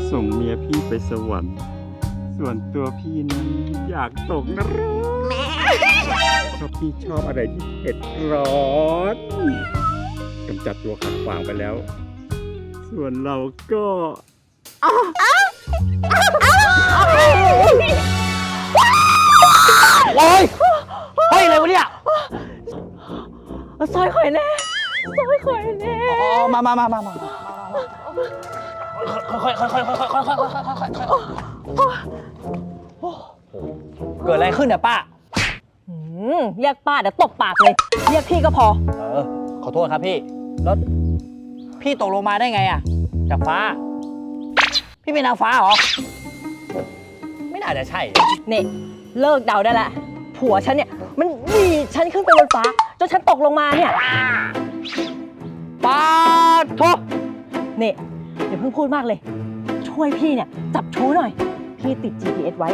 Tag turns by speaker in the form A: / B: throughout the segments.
A: ส่งเมียพี่ไปสวรรค์ส่วนตัวพี่นั้นอยากตกนรกเพราะพี่ชอบอะไรที่เผ็ดร้อนกำจัดตัวขัดขวางไปแล้ว ส่วนเราก็
B: โอ้ยเฮ้ยอะไรวะเนี่ย
C: ซอยข่อยแน่ซอยข่อยแน่
B: อ๋อมาค่อยเกิดอะไรขึ้นเนี่ยป้า
C: เรียกป้าเดี๋ยวตบปากเลย เรียกพี่ก็พอ
B: ขอโทษครับพี่แล้วพี่ตกลงมาได้ไงอะจากฟ้า พี่เป็นนางฟ้าเหรอ ไม่น่าจะใช่
C: เนี่ยเลิกเดาได้ละผัวฉันเนี่ยมันดีดฉันขึ้นไปบนฟ้าจนฉันตกลงมาเนี่ย
B: ป้าโทษ
C: เนี่ยอย่าเพิ่งพูดมากเลย ช่วยพี่เนี่ยจับชู้หน่อย พี่ติด GPS ไว้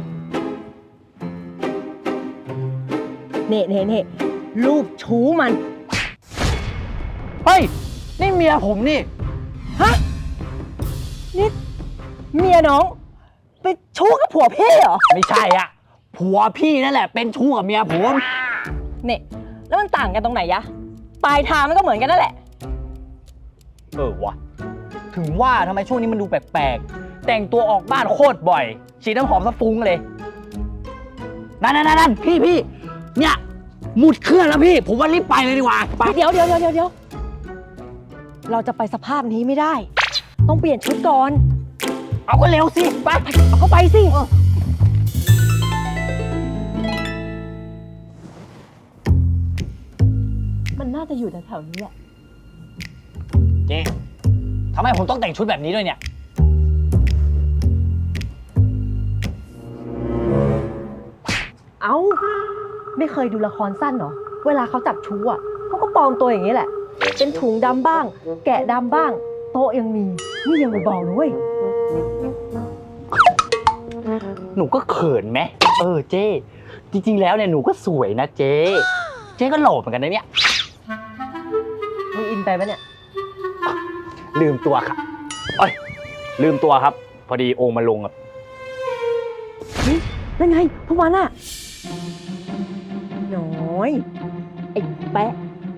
C: เน่รูปชู้มัน
B: เฮ้ย นี่เมียผมนี่
C: ฮะนี่เมียน้องไปชู้กับผัวพี่เหรอ
B: ไม่ใช่อะผัวพี่นั่นแหละเป็นชู้กับเมียผม
C: เนี่ยแล้วมันต่างกันตรงไหนยะปลายทางมันก็เหมือนกันนั่นแหละ
B: วะถึงว่าทำไมช่วงนี้มันดูแปลกๆ แต่งตัวออกบ้านโคตรบ่อย ฉีดน้ำหอมสะฟุ้งเลย นั่นพี่เนี่ยหมุดเครื่องแล้วพี่ ผมว่ารีบไปเลยดีกว่าไป
C: เดี๋ยวเราจะไปสภาพนี้ไม่ได้ ต้องเปลี่ยนชุดก่อน
B: เอาก็เร็วสิไป
C: เอาเข้าไปสิมันน่าจะอยู่แถวๆนี้แหละ
B: เจ๊ทำไมผมต้องแต่งชุดแบบนี้ด้วยเนี่ย
C: เอ้าไม่เคยดูละครสั้นเหรอเวลาเขาจับชู้อ่ะเขาก็ปลอมตัวอย่างนี้แหละ เป็นถุงดำบ้าง แกะดำบ้าง โต๊ะยังมีนี่ยังไม่บอกเลยเว้ย
B: หนูก็เขินไหมเจ๊จริงๆแล้วเนี่ยหนูก็สวยนะเจ๊ก็หล่อเหมือนกันนะเนี่ย
C: มึงอินไปปะเนี่ย
B: ลืมตัวครับลืมตัวครับ พอดีองค์มาลงครับ
C: เฮ้ยนั่นไงพวกมันอะน้อยไอ้แปะ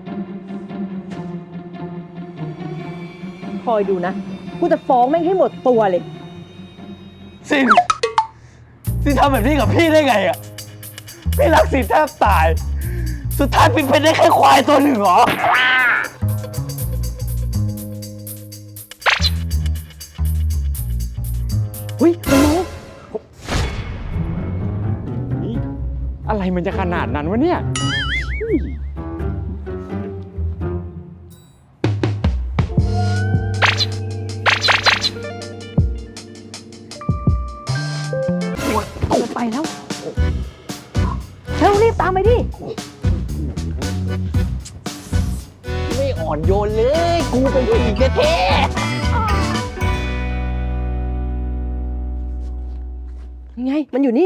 C: คอยดูนะกูจะฟ้องแม่งให้หมดตัวเลย
B: ซินทำแบบนี้กับพี่ได้ไงอ่ะพี่รักซินแทบตาย สุดท้ายฟินเป็นได้แค่ควายตัวหนึ่งเหรอ
C: เฮ้ยน้อง
A: นี่อะไรมันจะขนาดนั้นวะเนี่ย
C: ไปแล้วรีบตามไปดิ
B: ไม่อ่อนโยนเลย กูเป็นผู้หญิงแท้
C: ยังไงมันอยู่นี่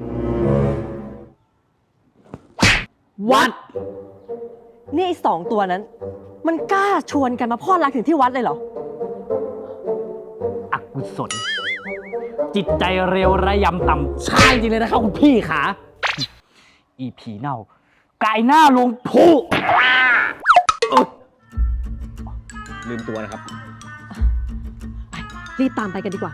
B: วัด
C: นี่ไอ้สองตัวนั้น มันกล้าชวนกันมาพลอดรักถึงที่วัดเลยเหรอ
B: อกุศลจิตใจเร็วระยำต่ำใช่จริงเลยนะครับคุณพี่ขาอีผีเน่ากายหน้าลงพุลืมตัวนะครับ
C: รีบตามไปกันดีกว่า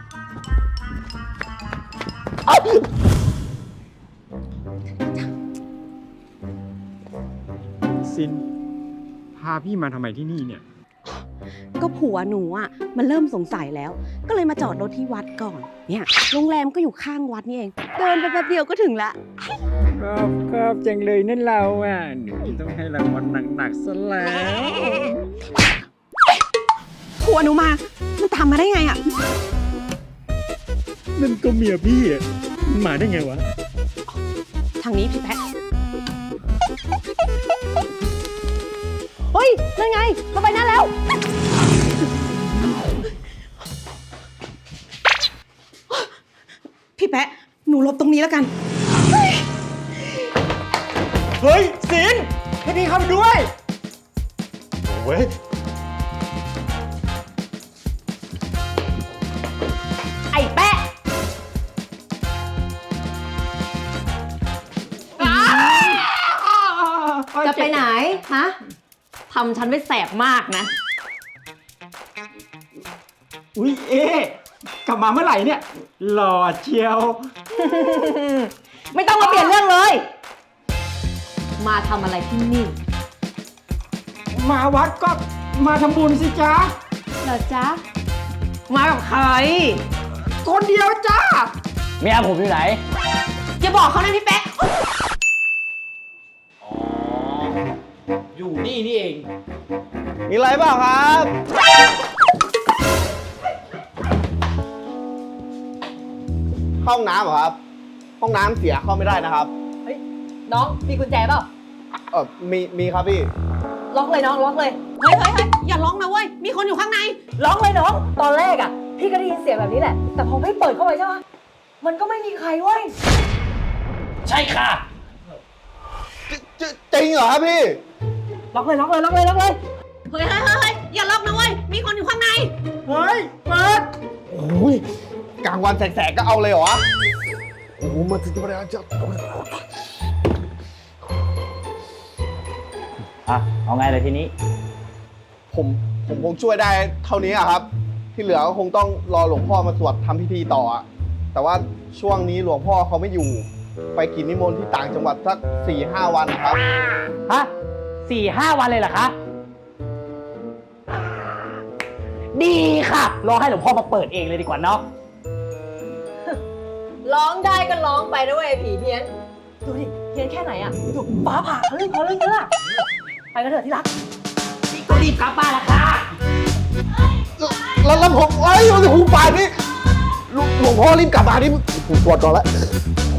A: ซินพาพี่มาทำไมที่นี่เนี่ย
D: ก็ผัวหนูอ่ะมันเริ่มสงสัยแล้ว ก็เลยมาจอดรถที่วัดก่อน เนี่ยโรงแรมก็อยู่ข้างวัดนี่เอง เดินไปแป๊บเดียวก็ถึงละ
A: ครับจังเลยนั่นเราอ่ะหนูต้องให้รางวัลหนักๆซะแล้ว
D: ผัวหนูมา มันตามมาได้ไงอ่ะ
A: นั่นก็เมียพี่อ่ะมันมาได้ไงวะ
D: ทางนี้พี่แพะ
C: เฮ้ย นั่นไงมาไปนั่นแล้ว
D: พี่แพะ หนูหลบตรงนี้แล้วกัน
A: เฮ้ยซินให้พี่เข้าไปด้วยเว้ย
C: ฮะทำฉันไม่แสบมากนะ
A: อุ๊ยเอ๊ะกลับมาเมื่อไหร่เนี่ย หล่อเชียว
C: ไม่ต้องมาเปลี่ยนเรื่องเลย มาทำอะไรที่นี่
A: มาวัดก็มาทำบุญสิจ๊ะ
C: เหรอจ๊ะ มากับใคร
A: คนเดียวจ้า
B: เมียผมอยู่ไหน
C: อย่าบอกเขานะพี่แป๊ะ
B: อยู่นี่นี่เอง
E: มีอะไรเปล่าครับ ห้องน้ำเหรอครับ ห้องน้ำเสียเข้าไม่ได้นะครับ
C: เฮ้ย น้องมีกุญแจเปล่า
E: มีครับพี่
C: ล็อกเลยน้องล็อกเลย
D: เฮ้ยอย่าร้องนะเว้ย มีคนอยู่ข้างใน
C: ล็อกเลยน้อง ตอนแรกอ่ะ พี่ก็ได้ยินเสียงแบบนี้แหละ แต่พอพี่เปิดเข้าไปใช่ปะมันก็ไม่มีใครเว้ย
B: ใช่ค่ะ
E: จริงเหรอครับพี่
C: ล็อกเลยล็อกเลยล็อกเลยล็อกเลย
D: เฮ้ยอย่าร้องนะเว้ย มีคนอยู่ข้างใน
A: เฮ้ย เปิด
E: โอ้ยกลางวันแสกๆก็เอาเลยเหรอ โอ้โหมาถึงประเดี๋ยวจะ
B: อ่ะ เอาไงเลยทีนี้
E: ผมคงช่วยได้เท่านี้อะครับ ที่เหลือก็คงต้องรอหลวงพ่อมาสวดทำพิธีต่ออะแต่ว่าช่วงนี้หลวงพ่อเขาไม่อยู่ ไปกินนิมนต์ที่ต่างจังหวัดสัก 4-5 วันนะครับ
B: ฮะ4-5 วันเลยเหรอคะ ดีค่ะ รอให้หลวงพ่อมาเปิดเองเลยดีกว่าเนาะ
C: ร้องได้ก็ร้องไปนะเว้ยผีเพี้ยน ดูดิเพี้ยนแค่ไหนอ่ะดูฟ้าผ่าเขาเรื่องเยอะอะไปกันเถอะที่รัก
B: ก็รีบกลับบ้านละค่ะ
E: แล้วผมเอ้ยโอ้โหป่านนี้หลวงพ่อรีบกลับมานี่ผมปวดก่อนแล้ว